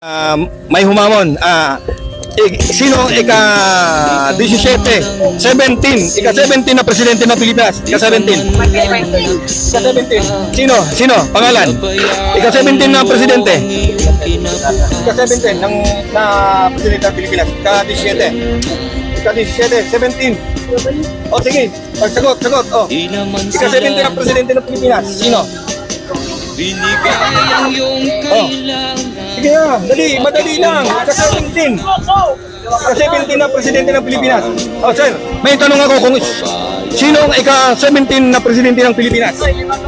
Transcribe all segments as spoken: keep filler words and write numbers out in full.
Uh, may humamon. Ah, uh, sino ika seventeen, seventeen, ika seventeen na presidente ng Pilipinas? Ika seventeen. Ika seventeen. Sino? Sino? Pangalan? Ika seventeen na presidente. Ika seventeen ng na presidente ng Pilipinas. Ika seventeen. Ika seventeen, seventeen. Oh, sige. Sagot, sagot. Oh. Ika seventeen na presidente ng Pilipinas. Sino? Oh. Sige na, dali, madali lang. Ika seventeen. Ika seventeen na presidente ng Pilipinas. Oh, sir, may tanong ako kung sino ang ika seventeen na presidente ng Pilipinas?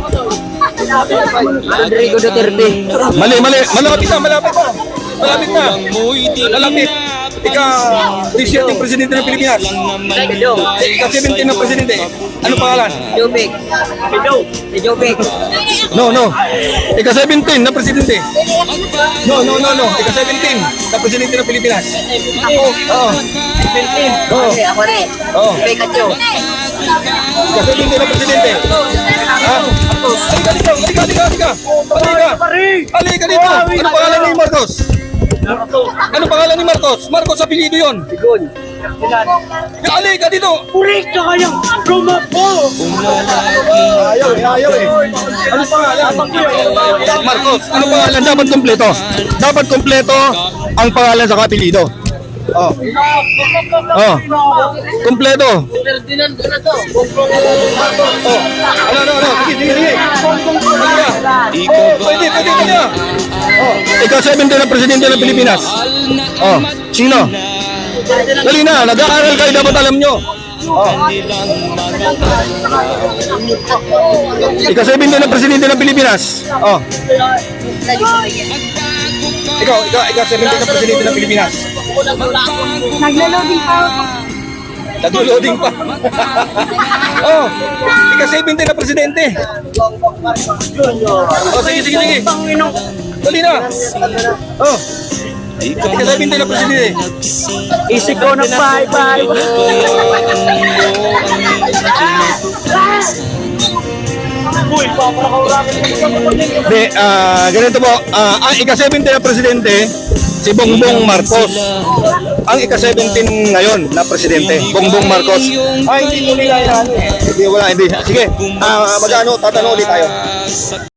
Rodrigo Duterte. Mali, mali. Malapit na, malapit na. Malapit na. Malapit. Ika seventeen presidente ng Pilipinas. Ika seventeen na presidente. Ano pangalan? Jobek. Si Jobek. No, no. Ika seventeen na presidente. No, no, no, no. Ika seventeen na presidente ng Pilipinas. Ako. Oo. seventeen. Oo. Okay, ako rin. Oo. Pikachu. Ika seventeen na presidente. Ha? Halika dito, halika, halika, halika. Halika. Halika dito. Ano pangalan ni Marcos? Ano pangalan ni Marcos? Marcos apelyido yun. Sigon. Halika dito. Purik ka kayang rumapo. Ayaw eh, ayaw eh. Ano pangalan? Marcos. Ano pangalan? Dapat kompleto. Dapat kompleto ang pangalan sa apelyido. Oh. Oh. Kompleto. Ferdinand ko na to. Oh. Ano, ano, ano. Sige, sige, sige. Halika. Oh, pwede, pwede, pwede. Oh. Ikaw seventeen na presidente ng Pilipinas. Oh. Sino? Dali na, nag-aaral kayo, dapat alam nyo. Oh. Ikaw seventeen na presidente ng Pilipinas. Oh. Ikaw, ikaw, ikaw seventeen na presidente ng Pilipinas. Naglo-loading pa ako. Naglo-loading pa. Oh, ikaw seventeen na presidente. Oh, sige, sige, sige. Dali na. Oh. Ikaw seventeen na presidente. Isip ko na bye-bye. Hindi, ah, ganito po. Ah, ang ika seventeen na presidente, si Bongbong Marcos. Ang ika seventeen ngayon na presidente, Bongbong Marcos. Ay, hindi mo nila yan. Hindi, wala, hindi. Sige, ah, mag-ano, tatanong ulit tayo.